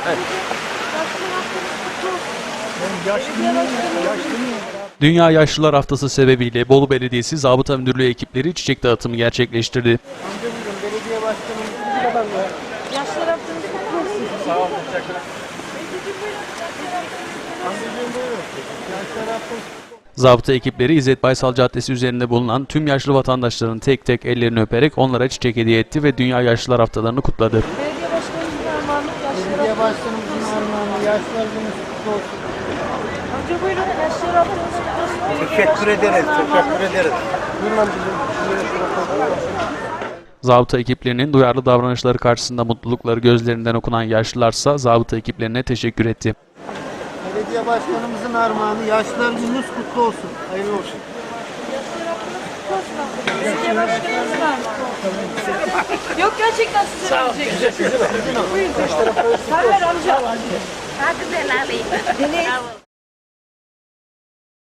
Dünya Yaşlılar Haftası sebebiyle Bolu Belediyesi Zabıta Müdürlüğü ekipleri çiçek dağıtımı gerçekleştirdi. Belediye başkanımız Yaşlılar Haftanız kutlu olsun. sağ olun. Zabıta ekipleri İzzet Baysal Caddesi üzerinde bulunan tüm yaşlı vatandaşların tek tek ellerini öperek onlara çiçek hediye etti ve Dünya Yaşlılar Haftalarını kutladı. Belediye başkanımızın armağanı Yaşlılar Belediye Haftanız başkanımızın armağanı yaşlılar gününüz kutlu olsun. Amca buyurun Yaşlılar Haftanız kutlu olsun. Teşekkür ederiz. Teşekkür ederiz. Zabıta ekiplerinin duyarlı davranışları karşısında mutlulukları gözlerinden okunan yaşlılarsa zabıta ekiplerine teşekkür etti. Belediye başkanımızın armağanı yaşlılar gününüz kutlu olsun. Hayırlı olsun. Yaşlılar Haftanız kutlu olsun amca. Belediye başkanımızın armağanı. Yok gerçekten size verecek. Buyurun. Ver amca. Hadi ben alayım.